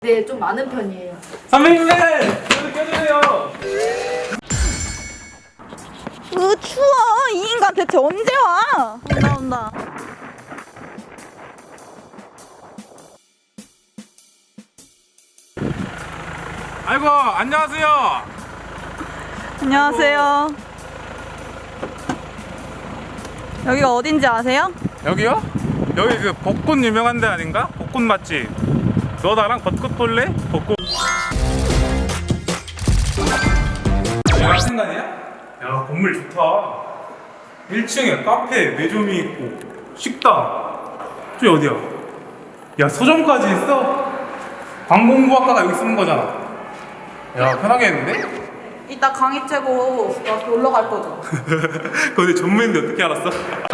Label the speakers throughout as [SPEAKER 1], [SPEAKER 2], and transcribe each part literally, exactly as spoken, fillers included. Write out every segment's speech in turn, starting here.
[SPEAKER 1] 네, 좀 많은 편이에요.
[SPEAKER 2] 선배님들! 저도 껴주세요!
[SPEAKER 3] 으 추워. 이 인간 대체 언제 와? 온다 온다.
[SPEAKER 2] 아이고, 안녕하세요!
[SPEAKER 3] 안녕하세요. 여기가 어딘지 아세요?
[SPEAKER 2] 여기요? 여기 그 벚꽃 유명한 데 아닌가? 벚꽃 맛집. 너 나랑 벚꽃 볼래? 벚꽃. 여기 생각이야? 야, 건물 좋다. 일 층에 카페, 매점이 있고, 식당. 저기 어디야? 야, 서점까지 있어? 관공부학과가 여기 쓰는 거잖아. 야, 편하겠는데?
[SPEAKER 3] 이따 강의 째고 나 놀러 갈 거죠.
[SPEAKER 2] 근데 전무인데 어떻게 알았어?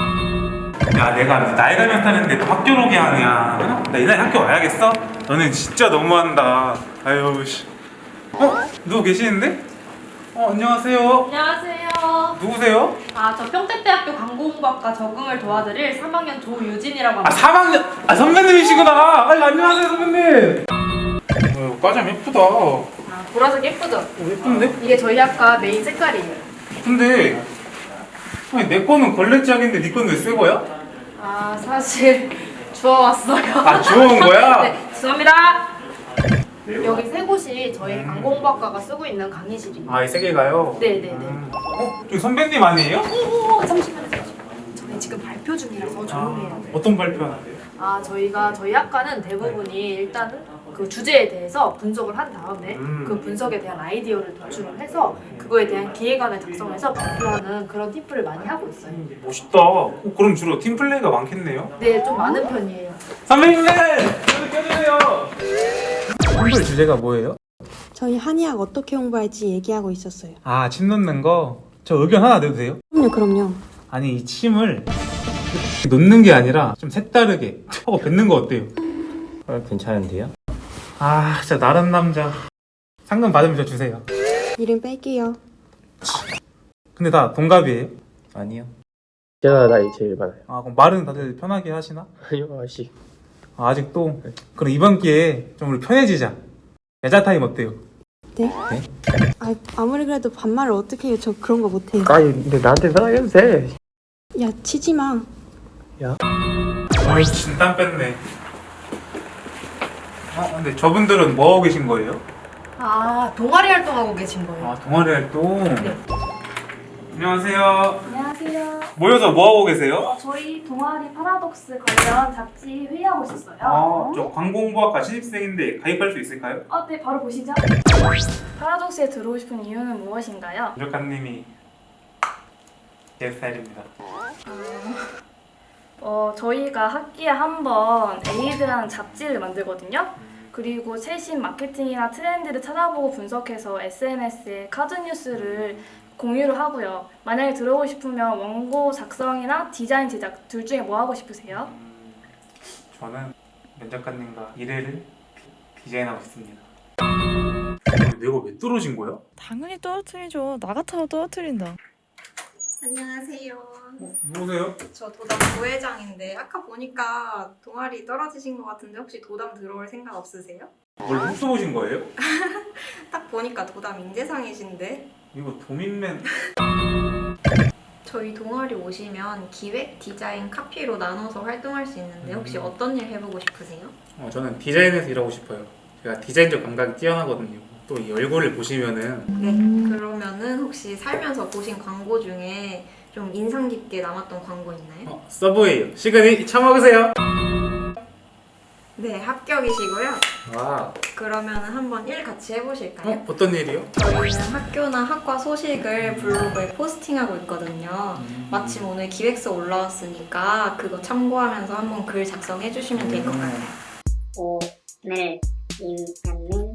[SPEAKER 2] 야, 내가 나이가 몇 살인데 또 학교로 오게 하냐? 나 이 나이 학교 와야겠어? 너는 진짜 너무한다. 아유 씨. 어? 누구 계시는데? 어, 안녕하세요.
[SPEAKER 1] 안녕하세요.
[SPEAKER 2] 누구세요?
[SPEAKER 1] 아, 저 평택대학교 광고공부학과 적응을 도와드릴 삼 학년 조유진이라고
[SPEAKER 2] 아,
[SPEAKER 1] 합니다.
[SPEAKER 2] 삼 학년. 아, 선배님이시구나. 아유, 안녕하세요, 선배님. 어, 과장 예쁘다. 어,
[SPEAKER 1] 아, 보라색 예쁘죠?
[SPEAKER 2] 예쁜데?
[SPEAKER 1] 이게 저희 학과 메인 색깔이에요.
[SPEAKER 2] 근데 아니, 내 거는 걸레짝인데 네 거는 왜 새 거야?
[SPEAKER 1] 아, 사실 주워왔어요.
[SPEAKER 2] 아, 주워온 거야?
[SPEAKER 1] 네, 죄송합니다. 여기 세 곳이 저희 광고공부학과가 쓰고 있는 강의실이에요.
[SPEAKER 2] 아, 이 세 개가요?
[SPEAKER 1] 네네네.
[SPEAKER 2] 음. 어? 저기 선배님 아니에요?
[SPEAKER 1] 오, 잠시만요, 잠시만요. 저희 지금 발표 중이라서 조용히 해야 돼요.
[SPEAKER 2] 어떤 발표하는데요?
[SPEAKER 1] 아, 저희가 저희 학과는 대부분이 일단은 그 주제에 대해서 분석을 한 다음에
[SPEAKER 2] 음.
[SPEAKER 1] 그 분석에 대한 아이디어를 도출을 해서 그거에 대한 기획안을 작성해서 발표하는 그런 팁을 많이 하고 있어요.
[SPEAKER 2] 멋있다. 어, 그럼 주로 팀플레이가 많겠네요?
[SPEAKER 1] 네, 좀 많은 편이에요.
[SPEAKER 2] 선배님들! 저도 껴주세요! 홍보의 주제가 뭐예요?
[SPEAKER 4] 저희 한의학 어떻게 홍보할지 얘기하고 있었어요.
[SPEAKER 2] 아, 침 놓는 거? 저 의견 하나 내도 돼요?
[SPEAKER 4] 그럼요, 그럼요.
[SPEAKER 2] 아니, 이 침을 놓는 게 아니라 좀 색다르게 하고 뱉는 거 어때요?
[SPEAKER 5] 어, 괜찮은데요?
[SPEAKER 2] 아, 진짜 나른 남자. 상금 받으면 저 주세요.
[SPEAKER 4] 이름 뺄게요.
[SPEAKER 2] 근데 다 동갑이에요?
[SPEAKER 5] 아니요. 제가 나이 제일 많아요.
[SPEAKER 2] 아, 그럼 말은 다들 편하게 하시나?
[SPEAKER 5] 아니요, 아저씨.
[SPEAKER 2] 아, 아직도? 그럼 이번 기회에 좀 우리 편해지자. 여자 타임 어때요?
[SPEAKER 4] 네?
[SPEAKER 5] 네?
[SPEAKER 4] 아, 아무리 그래도 반말을 어떻게 해요? 저 그런 거 못해요.
[SPEAKER 5] 아니, 근데 나한테 편하게 해도 돼.
[SPEAKER 4] 야, 치지 마.
[SPEAKER 2] 아이, 진땀 뺐네. 아, 근데 저분들은 뭐 하고 계신 거예요?
[SPEAKER 1] 아, 동아리 활동하고 계신 거예요?
[SPEAKER 2] 아, 동아리 활동?
[SPEAKER 1] 네.
[SPEAKER 2] 안녕하세요.
[SPEAKER 6] 안녕하세요.
[SPEAKER 2] 모여서 뭐 하고 계세요?
[SPEAKER 6] 어, 저희 동아리 파라독스 관련 잡지 회의하고 있었어요.
[SPEAKER 2] 아, 저 광공부학과 신입생인데 가입할 수 있을까요?
[SPEAKER 6] 어, 네, 바로 보시죠. 파라독스에 들어오고 싶은 이유는 무엇인가요?
[SPEAKER 2] 작가님이 제 스타일입니다.
[SPEAKER 6] 어, 저희가 학기에 한 번 에이드라는 잡지를 만들거든요. 그리고 최신 마케팅이나 트렌드를 찾아보고 분석해서 에스엔에스에 카드 뉴스를 공유를 하고요. 만약에 들어오고 싶으면 원고 작성이나 디자인 제작 둘 중에 뭐 하고 싶으세요?
[SPEAKER 2] 음, 저는 면 작가님과 일회를 디- 디자인하고 싶습니다. 내가 왜 떨어진 거야?
[SPEAKER 3] 당연히 떨어뜨리죠. 나 같아도 떨어뜨린다.
[SPEAKER 7] 안녕하세요.
[SPEAKER 2] 어, 누구세요?
[SPEAKER 7] 저 도담 부회장인데 아까 보니까 동아리 떨어지신 것 같은데 혹시 도담 들어올 생각 없으세요?
[SPEAKER 2] 뭘 훔쳐 보신 거예요?
[SPEAKER 7] 딱 보니까 도담 인재상이신데
[SPEAKER 2] 이거 도민맨.
[SPEAKER 7] 저희 동아리 오시면 기획, 디자인, 카피로 나눠서 활동할 수 있는데 혹시 어떤 일 해보고 싶으세요?
[SPEAKER 2] 어, 저는 디자인에서 일하고 싶어요. 제가 디자인적 감각이 뛰어나거든요. 또 이 얼굴을 보시면은
[SPEAKER 7] 네. 그러면은 혹시 살면서 보신 광고 중에 좀 인상 깊게 남았던 광고 있나요?
[SPEAKER 2] 어, 서브웨이요. 시그니 처먹으세요.
[SPEAKER 7] 네, 합격이시고요.
[SPEAKER 2] 와.
[SPEAKER 7] 그러면은 한번 일 같이 해보실까요?
[SPEAKER 2] 어, 어떤 일이요?
[SPEAKER 7] 저희는 학교나 학과 소식을 블로그에 포스팅하고 있거든요. 마침 오늘 기획서 올라왔으니까 그거 참고하면서 한번 글 작성해 주시면 될 것 같아요.
[SPEAKER 8] 오늘 임현민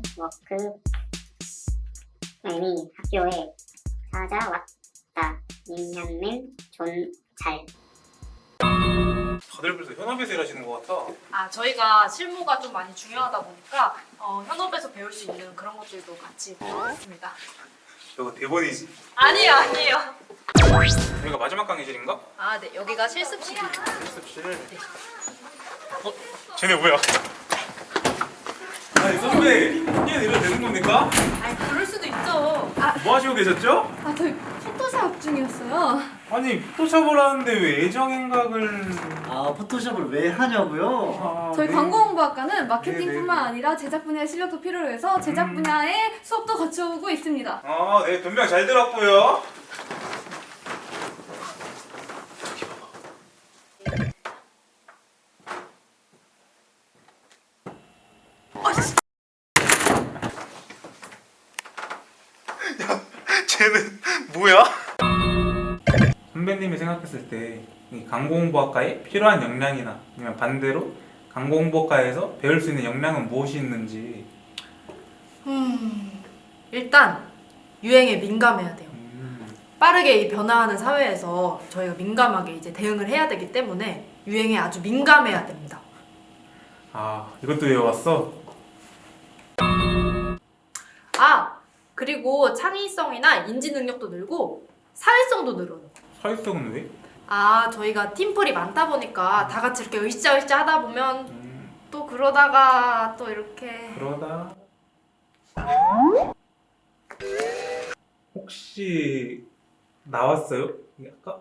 [SPEAKER 8] 워크맨이 학교에 찾아왔다. 임현민 존잘.
[SPEAKER 2] 다들 벌써 현업에서 일하시는 것 같아.
[SPEAKER 1] 아, 저희가 실무가 좀 많이 중요하다 보니까 어, 현업에서 배울 수 있는 그런 것들도 같이 배우겠습니다.
[SPEAKER 2] 저거 대본이지?
[SPEAKER 1] 아니에요, 아니에요.
[SPEAKER 2] 여기가 마지막 강의실인가?
[SPEAKER 1] 아, 네, 여기가 실습실이에요.
[SPEAKER 2] 실습실. 어? 쟤네 뭐야? 아이, 아니 선배 이게 이래도 되는 겁니까?
[SPEAKER 1] 아니 그럴 수도 있죠. 아,
[SPEAKER 2] 뭐 하시고 계셨죠?
[SPEAKER 1] 아 저희 포토샵 중이었어요.
[SPEAKER 2] 아니 포토샵을 하는데 왜 애정행각을
[SPEAKER 9] 아 포토샵을 왜 하냐고요?
[SPEAKER 2] 아,
[SPEAKER 10] 저희
[SPEAKER 2] 네.
[SPEAKER 10] 광고홍보학과는 마케팅뿐만
[SPEAKER 2] 네, 네.
[SPEAKER 10] 아니라 제작 분야의 실력도 필요로 해서 제작
[SPEAKER 2] 음.
[SPEAKER 10] 분야의 수업도 거쳐오고 있습니다.
[SPEAKER 2] 아, 네 변명 잘 들었고요. 쟤는 뭐야? 선배님이 생각했을 때 이 광고홍보학과에 필요한 역량이나 아니면 반대로 광고홍보학과에서 배울 수 있는 역량은 무엇이 있는지.
[SPEAKER 11] 음, 일단 유행에 민감해야 돼요.
[SPEAKER 2] 음,
[SPEAKER 11] 빠르게 이 변화하는 사회에서 저희가 민감하게 이제 대응을 해야 되기 때문에 유행에 아주 민감해야 됩니다.
[SPEAKER 2] 아 이것도 외워왔어?
[SPEAKER 11] 아, 그리고 창의성이나 인지 능력도 늘고 사회성도 늘어요.
[SPEAKER 2] 사회성은 왜?
[SPEAKER 11] 아, 저희가 팀플이 많다 보니까 다 같이 이렇게 으쌰으쌰 하다 보면
[SPEAKER 2] 음,
[SPEAKER 11] 또 그러다가 또 이렇게
[SPEAKER 2] 그러다 혹시 나왔어요? 이 학과?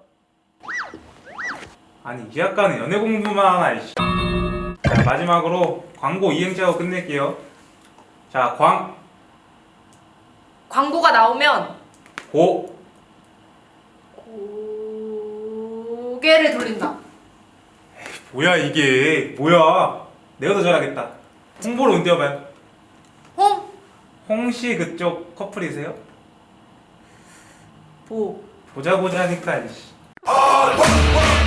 [SPEAKER 2] 아니 이 학과는 연애 공부만 하나 이씨. 자 마지막으로 광고 이행시하고 끝낼게요. 자 광,
[SPEAKER 11] 광고가 나오면
[SPEAKER 2] 고,
[SPEAKER 11] 고개를 돌린다.
[SPEAKER 2] 뭐야 이게 뭐야? 내가 더 잘하겠다. 홍보로 운 띄워봐요.
[SPEAKER 11] 홍,
[SPEAKER 2] 홍씨 그쪽 커플이세요?
[SPEAKER 11] 보.
[SPEAKER 2] 보자 보자 하니까 이씨.